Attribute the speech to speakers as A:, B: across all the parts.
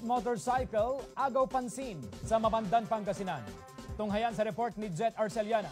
A: motorcycle agaw pansin sa Mabandan, Pangasinan. Tunghayan sa report ni Jet Arceliana.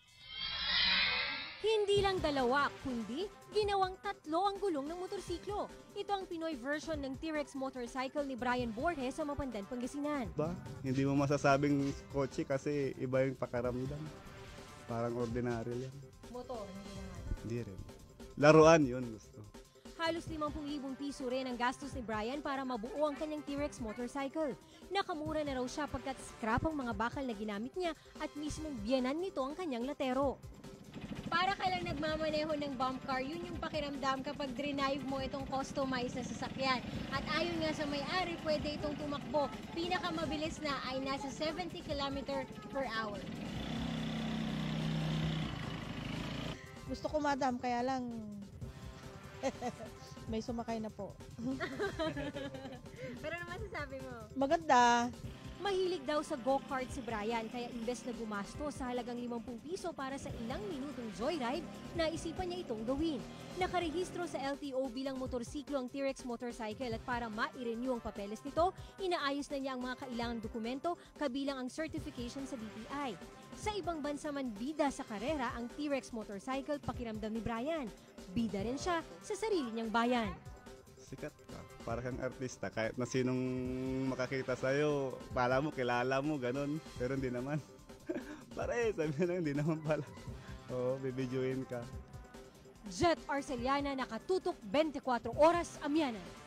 B: Hindi lang dalawa, kundi ginawang 3 ang gulong ng motorsiklo. Ito ang Pinoy version ng T-Rex motorcycle ni Brian Borges sa Mabandan, Pangasinan.
C: Hindi mo masasabing kotse kasi iba yung pakaramdam. Parang ordinaryo yan.
B: Motor, hindi naman.
C: Hindi rin. Laruan yun gusto.
B: Halos 50,000 piso rin ang gastos ni Brian para mabuo ang kanyang T-Rex motorcycle. Nakamura na raw siya pagkat scrap ang mga bakal na ginamit niya at mismong biyanan nito ang kanyang latero. Para ka lang nagmamaneho ng bump car, yun yung pakiramdam kapag drive mo itong customized na sasakyan. At ayon nga sa may-ari, pwede itong tumakbo. Pinakamabilis na ay nasa 70 km per hour.
D: Gusto ko, madam, kaya lang may sumakay na po.
B: Pero naman sasabi mo?
D: Maganda.
B: Mahilig daw sa go-kart si Brian, kaya imbes na gumasto sa halagang 50 piso para sa ilang minutong joyride, naisipan niya itong gawin. Nakarehistro sa LTO bilang motorsiklo ang T-Rex motorcycle at para ma-renew ang papeles nito, inaayos na niya ang mga kailangang dokumento kabilang ang certification sa DTI. Sa ibang bansa man bida sa karera ang T-Rex motorcycle, pakiramdam ni Brian. Bida rin siya sa sarili niyang bayan.
C: Sikat ka. Para kang artista. Kahit na sinong makakita sa'yo, pala mo, kilala mo, ganun. Pero hindi naman. Pare, sabi na hindi naman pala. Oo, bibidyoin ka.
B: Jet Arceliana, nakatutok 24 oras, Amianan.